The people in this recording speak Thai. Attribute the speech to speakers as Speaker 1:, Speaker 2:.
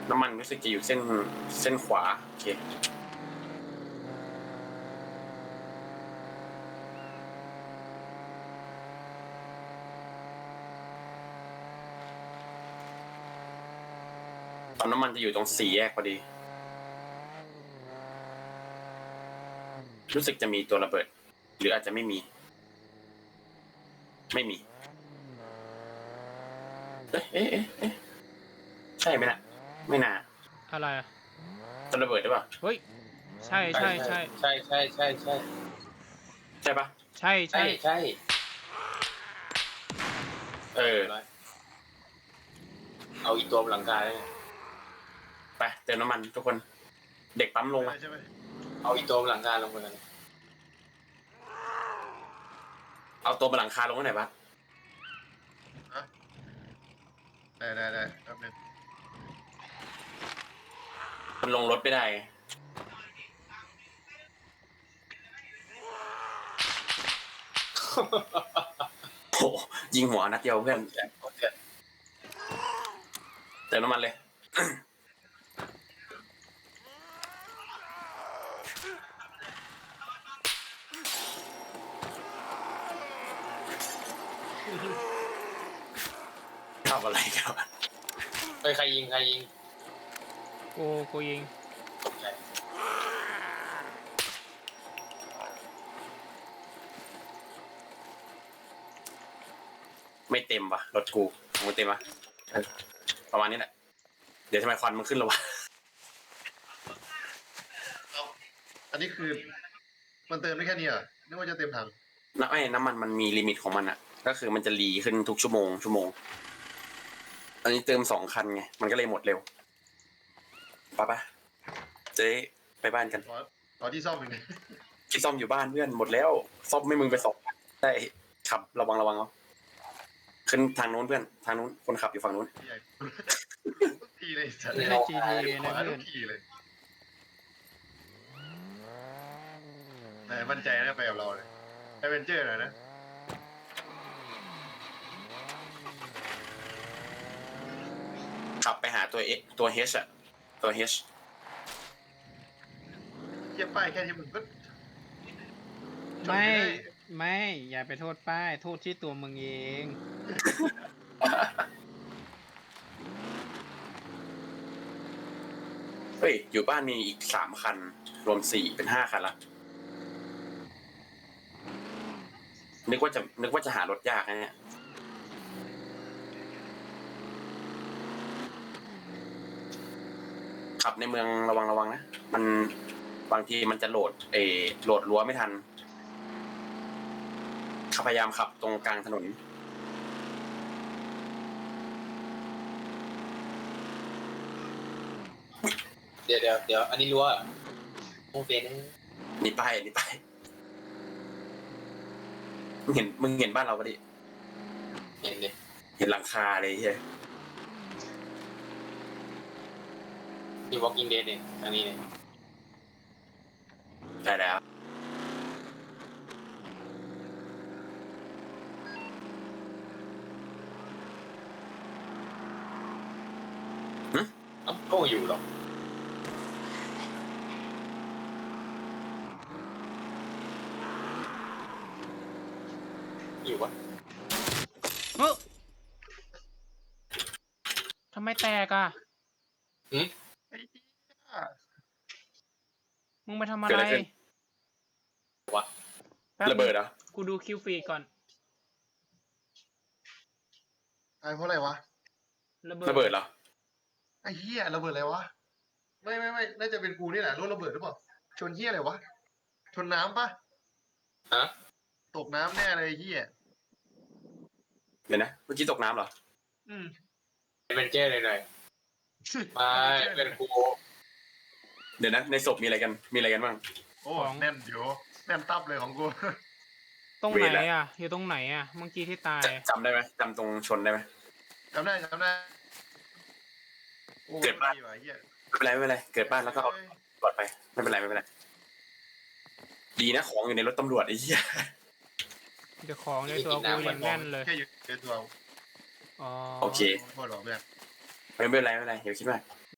Speaker 1: น้ำมันรู้สึกจะอยู่เส้นขวาโอเคตอนน้ำมันจะอยู่ตรงสี่แยกพอดีรู้สึกจะมีตัวระเบิดหรืออาจจะไม่มีเอ๊ะใช่ไหมนะไม่น่า
Speaker 2: อะไรอะ
Speaker 1: ตัวระเบิดหรือเปล่า
Speaker 2: เฮ้ยใช่
Speaker 3: ใช่
Speaker 1: ปะ
Speaker 2: ใช่
Speaker 3: เอาอีกตัวบนหลังคาเลย
Speaker 1: ไปเติมน้ำมันทุกคนเด็กปั๊มลงมา
Speaker 3: ใช่ไหมเอาอีกตัวบนหลังคาลงไปกัน
Speaker 1: เอาตัวบนหลังคาลงที่ไหนปะ
Speaker 3: ได้แป๊บนึง
Speaker 1: มันลงรถไม่ได้โอ้ยิงหัวนัดเดียวเพื่อนเติมน้ำมันเลยทำอะไรกันวะ
Speaker 3: ใครยิง
Speaker 2: กูยิง
Speaker 3: ตกใจ
Speaker 1: ไม่เต็มว่ะรถกูมึงเต็มปะประมาณนี้แหละเดี๋ยวทำไมควันมันขึ้นแล้ววะ
Speaker 3: อันนี้คือมันเติมได้แค่นี้เหรอนึกว่าจะเต็มถัง
Speaker 1: น้ำมันมีลิมิตของมันอ่ะก็คือมันจะรีขึ้นทุกชั่วโมงอันนี้เติม2 คันไงมันก็เลยหมดเร็วปะเจ๊ไปบ้านกัน
Speaker 3: ขอที่ซ่อมอีกนิด
Speaker 1: ที่ซ่อมอยู่บ้านเพื่อนหมดแล้วซ่อมไม่มึงไปสองได้ขับระวังเอาขึ้นทางนู้นเพื่อนทางนู้นคนขับอยู่ฝั่งนู้น
Speaker 3: ทีเลยสัตว์
Speaker 2: ไม่ใช่ GTA นะเพื่อน
Speaker 3: ทีเลยแต่มั่นใจนะไปกับเราเลยแอดเวนเจอร์หน่อยนะ
Speaker 1: ขับไปหาตัว H อ่ะตัว H
Speaker 3: เทียบป้ายแค่นี้มึงก็
Speaker 2: ไม่อย่าไปโทษป้ายโทษที่ตัวมึงเอง
Speaker 1: เฮ้ยอยู่บ้านมีอีก3 คันรวม4เป็น5 คันละนึกว่าจะหารถยากนะเนี่ยขับในเมืองระวังนะมันบางทีมันจะโหลดรั้วไม่ทันพยายามขับตรงกลางถนน
Speaker 3: เดี๋ยวอันนี้รั้วโมเฟน
Speaker 1: นี่ไปมึงเห็นบ้านเราปะดิ
Speaker 3: เห็นดิ
Speaker 1: เห็นหลังคาเลยใช่
Speaker 3: ที่ Walking Dead เนี่ยอันนี้เนี่ย
Speaker 1: ใช่แล้ว
Speaker 3: ก็อยู่หรอกอยู่วะ
Speaker 2: ทำไมแตกอ่ะมึงมาทำอะไร
Speaker 3: วะ
Speaker 1: ระเบิดเหรอ
Speaker 2: กูดูคิวฟีดก่อน
Speaker 3: เพราะอะไรวะ
Speaker 1: ระเบิดเหรอ
Speaker 3: ไอ้เหี้ยระเบิดอะไรวะไม่น่าจะเป็นกูนี่แหละรถระเบิดหรือเปล่าชนเหี้ยอะไรวะชนน้ำปะฮะตกน้ำแน่เลยเหี้ย
Speaker 1: เดี๋ยวนะเมื่อกี้ตกน้ำเหรอ
Speaker 3: เป็นเจ้เลยหน่อยมาเป็นกู
Speaker 1: เดี๋ยวนะในศพมีอะไรกันบ้าง
Speaker 3: โอ้แน่นอยู่แน่นตับเลยของกู
Speaker 2: ตรงไหนอ่ะอยู่ตรงไหนอ่ะเมื่อกี้ที่ตาย
Speaker 1: จำได้ไหมจำตรงชนได้ไหม
Speaker 3: จำได้
Speaker 1: เกิดบ้านไม่เป็นไรเกิดบ้านแล้วก็เอาปลอดไปไม่เป็นไรดีนะของอยู่ในรถตำรวจไอ้เหี้ย
Speaker 2: เดี๋ยวของในตัวกูยังแน่นเลย
Speaker 3: แค่อยู่ในตัว
Speaker 1: โอเค
Speaker 3: โทษหรอเพื่อน
Speaker 1: ไม่เป็นไรอย่าคิดมาก